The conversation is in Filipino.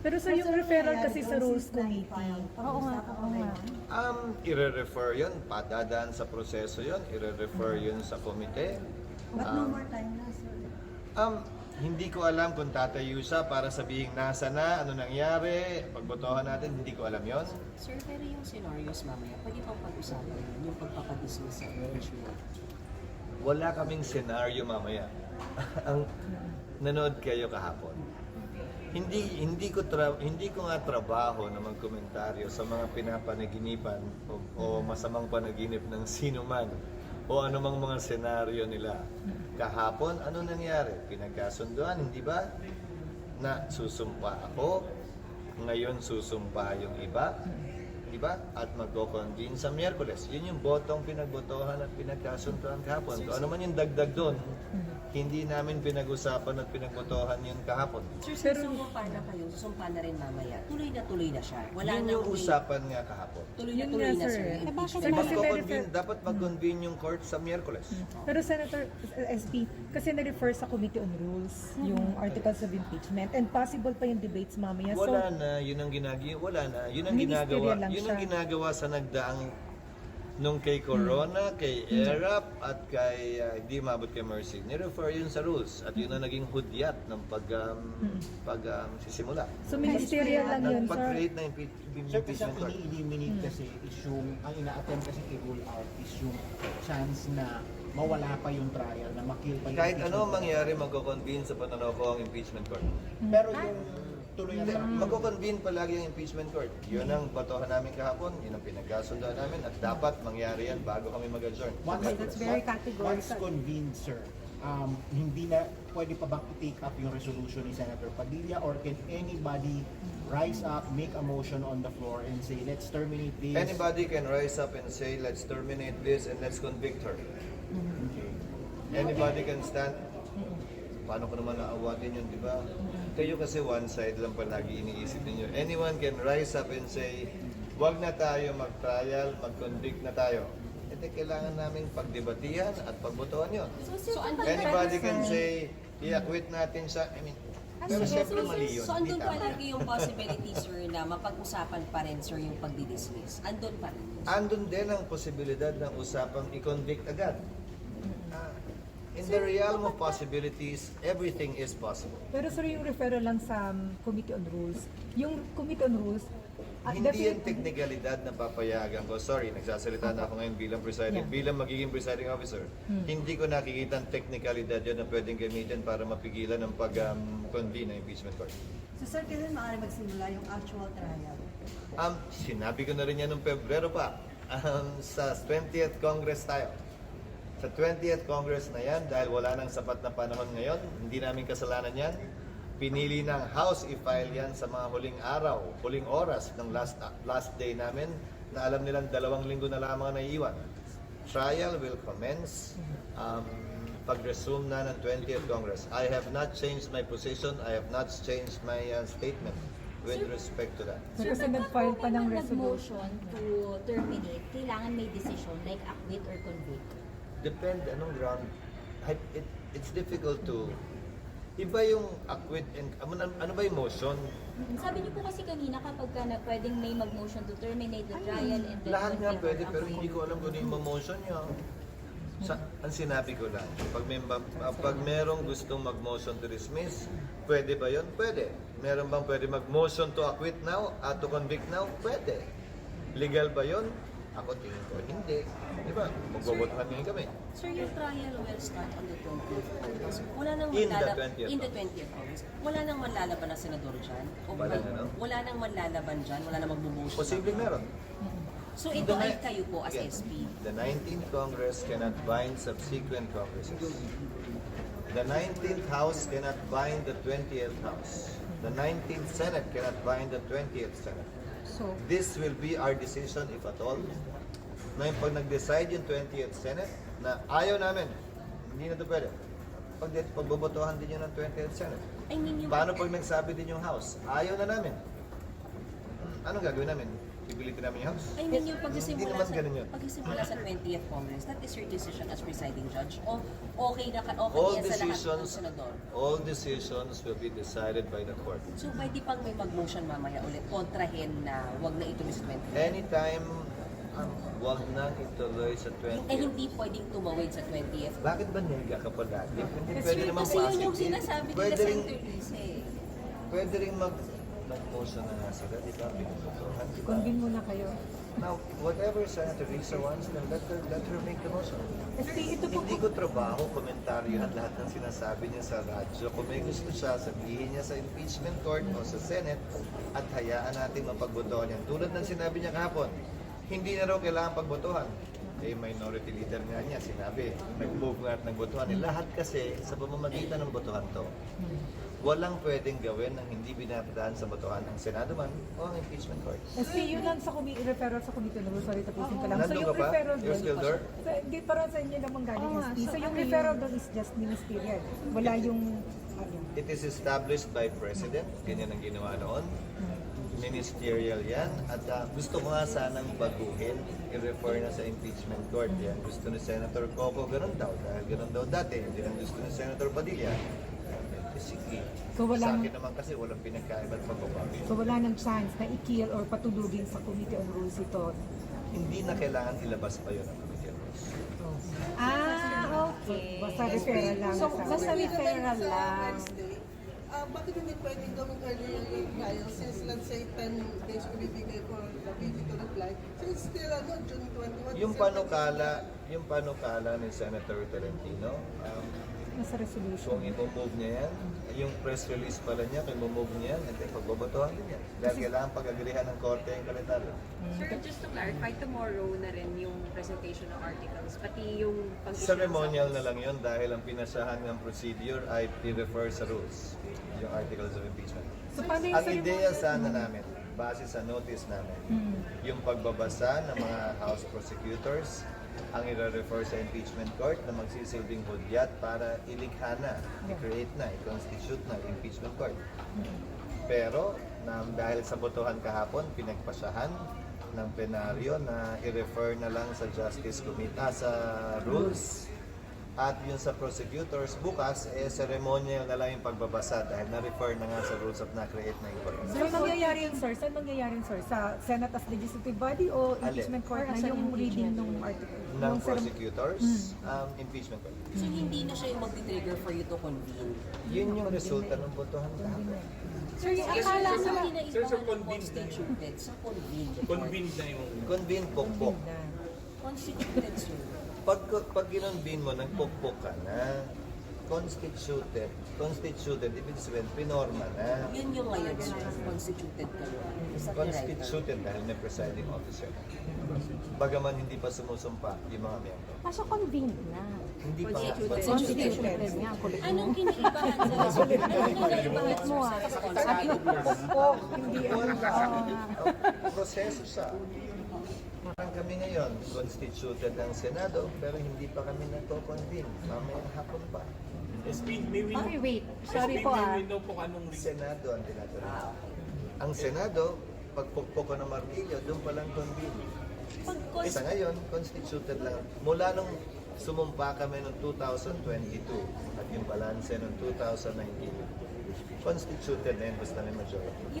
Pero sa yung referral kasi sa Rules Committee. Oo nga, oo nga. I-refer yun, padadaan sa proseso yun, i-refer yun sa komite. But no more time na, sir. Hindi ko alam kung tatayo siya para sabihin nasa na, ano nangyari, pagbotohan natin, hindi ko alam yon. Sir, pero yung scenarios mamaya, pwede pang pag-usapan yun, yung pagpapadismiss sa impeachment. Wala kaming senaryo mamaya. Ang nanood kayo kahapon. Hindi ko nga trabaho na magkomentaryo sa mga pinapanaginipan o masamang panaginip ng sino man o anumang mga senaryo nila. Kahapon, ano nangyari? Pinagkasunduan, hindi ba? Na susumpa ako, ngayon susumpa yung iba, di ba? At magko-convene sa Miyerkules. Yun yung botong pinagbotohan at pinagkasunduan kahapon. Kung ano man yung dagdag doon, hindi namin pinag-usapan at pinagbotohan yun kahapon. Sir, susumpa na kayo, susumpa na rin mamaya. Tuloy na siya. Wala Yun na yung usapan nga kahapon. Tuloy Yun na, nga, sir. sir. Yung bakit impeachment. Dapat mag-convene yung court sa Miyerkules. Pero Senator SP, kasi na-refer sa Committee on Rules yung articles of impeachment and possible pa yung debates mamaya. Wala na, yun ang ginagawa. Wala na, yun ang ginagawa. Ministerial lang Yun ang siya. ginagawa sa nagdaang nung kay Corona, kay ERAP, at kay hindi mabot kay Mercy. Ni-refer yun sa rules at yun ang naging hudyat ng sisimula. So ministerial lang yun, sir. Pag-create na Sir, kasi impeachment ang court. ini-eliminate kasi is yung, ang ina-attempt kasi i-rule out is yung chance na mawala pa yung trial, na makill pa yung Kahit ano impeachment. mangyari, magko-convene sa pananaw ko ang impeachment court. Pero yung tuloy Hindi, na magko-convene palagi ang impeachment court. Yun ang batohan namin kahapon, yun ang pinagkasundoan namin, at dapat mangyari yan bago kami mag-adjourn. That's very categorical. Once convened, sir, hindi na, pwede pa bang i-take up yung resolution ni Senator Padilla, or can anybody rise up, make a motion on the floor and say, let's terminate this? Anybody can rise up and say, let's terminate this and let's convict her. Okay. Anybody can stand. Paano ko naman naawatin yun, di ba? Kayo kasi one side lang palagi iniisip ninyo. Anyone can rise up and say, wag na tayo mag-trial, mag-convict na tayo. Ito kailangan namin pagdebatihan at pagbotohan yun. So, Anybody can say, i-acquit natin siya. I mean, pero siyempre mali yun. So, Hindi andun tama. palagi yung possibility, sir, na mapag-usapan pa rin, sir, yung pagdidismiss. Andun pa rin. Andun din ang posibilidad ng usapang i-convict agad. In the realm of possibilities, everything is possible. Pero sir, yung referral lang sa Committee on Rules, yung Committee on Rules, Hindi yan teknikalidad na papayagan ko. Sorry, nagsasalita na ako ngayon bilang presiding. Yeah. Bilang magiging presiding officer, hindi ko nakikita ang teknikalidad yun na pwedeng gamitin para mapigilan ng pag-convene ng impeachment court. So, sir, kailan maaari magsimula yung actual trial? Sinabi ko na rin yan noong Pebrero pa. Sa 20th Congress tayo. Sa 20th Congress na yan, dahil wala nang sapat na panahon ngayon, hindi namin kasalanan yan. Pinili ng House i-file yan sa mga huling araw, huling oras ng last day namin, na alam nilang 2 linggo na lamang na naiiwan. Trial will commence pag-resume na ng 20th Congress. I have not changed my position, I have not changed my statement with respect to that. Sir, kasi nag-file pa ng resolution. Motion to terminate, kailangan may decision like acquit or convict. Depende anong ground. It's difficult to... Iba yung acquit and... Ano ba yung motion? Sabi niyo po kasi kanina kapag ka na pwedeng may mag-motion to terminate the trial and then Lahat nga convict pwede, or pero acquit. hindi ko alam kung ano yung motion niya. Ang sinabi ko lang, pag merong gustong mag-motion to dismiss, pwede ba yun? Pwede. Meron bang pwede mag-motion to acquit now, to convict now? Pwede. Legal ba yun? Ako tingin ko, hindi. Di ba? Magbobotohan ngayon kami. Sir, yung trial will start on the 20th August. Wala nang In the 20th in the 20th August. Wala nang manlalaban na senador dyan? O Wala na, no? Wala nang manlalaban dyan? Wala nang magbumotion? Posibleng meron. So ito ay kayo po as SP. The 19th Congress cannot bind subsequent Congresses. The 19th House cannot bind the 20th House. The 19th Senate cannot bind the 20th Senate. So, This will be our decision if at all. Ngayon, pag nag-decide yung 20th Senate na ayaw namin, hindi na ito pwede. Pagbobotohan din yun ng 20th Senate. I mean yung... Paano pag nagsabi din yung House? Ayaw na namin. Anong gagawin namin? pipilitin namin yung House. I mean, yung Hindi naman ganun yun. pagsisimula sa 20th Congress, that is your decision as presiding judge? O okay na okay All yan sa lahat ng decisions, senador? all decisions will be decided by the court. So pwede pang may mag-motion mamaya ulit kontrahin na wag na ituloy sa 20th? Anytime, wag nang ituloy sa 20th. Hindi pwedeng tumawid sa 20th. Bakit ba nega ka palagi? Hindi pwede naman Kasi yun yung positive. sinasabi nila Pwede sa rin, interviews eh. pwede rin mag-motion na nga sila, di ba? Pinututuhan, di ba? Convene muna kayo. Now, whatever Senator Risa wants, then let her make the motion. SP, ito po Hindi ko trabaho komentaryohan lahat ng sinasabi niya sa radyo. Kung may gusto siya, sabihin niya sa impeachment court o sa Senate at hayaan natin mapagbotohan yan. Tulad ng sinabi niya kahapon, hindi na raw kailangan pagbotohan. Eh, minority leader nga niya, sinabi, nag-move nga at nagbotohan. Eh, lahat kasi sa pamamagitan ng botohan to, walang pwedeng gawin ng hindi binabadaan sa botohan ng Senado man o ang impeachment court. SP, yun lang sa referral sa committee no, sorry tapusin ko lang. So Nandun yung ka pa? referral You're doon, still there? hindi para sa inyo naman galing SP. So yung referral doon is just ministerial. Wala yung It is established by President. Ganyan ang ginawa noon. Ministerial yan. At gusto ko nga sanang baguhin. I-refer na sa impeachment court yan. Gusto ni Senator Coco, ganun daw. Dahil ganun daw dati. Hindi lang gusto ni Senator Padilla. Sige. So, Sa walang- akin naman kasi walang pinagkaiba't pagbabago. so wala nang chance na i-kill or patulugin sa Committee on Rules ito. Hindi na kailangan ilabas pa yun ang Committee on Rules. Okay. Basta referral lang. So, sa- basta referral lang. Wednesday, bakit hindi pwedeng gawin earlier yung trial since let's say 10 days ko bibigay for the BT to reply. So it's still June 21. Yung panukala ni Senator Tolentino, Nasa resolution. kung i-move niya yan, yung press release pala niya, kung i-move niya yan, hindi, pagbabotohan din yan. Dahil kailangan pag-agrihan ng korte yung kalendaryo. Sir, just to clarify, tomorrow na rin yung presentation ng articles, pati yung pag-issue Ceremonial na lang yun dahil ang pinasahan ng procedure ay i-refer sa rules, yung articles of impeachment. So paano yung Ang ideya ceremonial? sana namin, base sa notice namin, yung pagbabasa ng mga House prosecutors, ang i-refer sa impeachment court na magsisilbing hudyat para ilikha na, i-create na, i-constitute na impeachment court. Pero dahil sa botohan kahapon, pinagpasahan ng plenaryo na i-refer na lang sa Justice Committee, sa rules. At yun sa prosecutors, bukas, ceremonial na lang yung pagbabasa dahil na-refer na nga sa rules of na-create na yung court. Saan mangyayari yun, sir? Saan mangyayari yun, sir? Sa Senate as legislative body o impeachment court na yung reading ng article? Ng Yung prosecutors, impeachment court. So hindi na siya yung mag-trigger for you to convene. Yun yung resulta ng botohan kahapon. Sir, yung akala Sir, nila, hindi na iba constituted. Sa convene. Convened na yung... Convene pokpok. Constituted, sir. Pag ginonvene mo, nagpokpok ka na. Constituted, ibig sabihin, pinorma na. Yun yung ngayon, sir. Constituted ka yun. Is that the right term? Constituted dahil may presiding officer. Bagaman hindi pa sumusumpa yung mga miyembro. kaso convened na. Hindi pa nga. Constituted nga. Kulit mo. Anong kinaibahan sa Kulit mo ah. hindi Proseso siya. Parang kami ngayon, constituted ang Senado, pero hindi pa kami nagko-convene. Mamayang hapon pa. SP, may window. Okay, wait. Sorry po May ah. window po anong reason. Senado ang tinatawag. Ang Senado, pagpukpok ko ng martilyo, doon pa lang convene. Sa ngayon, constituted lang. Mula nung sumumpa kami noong 2022 at yung balanse noong 2019, constituted na yun, basta may majority.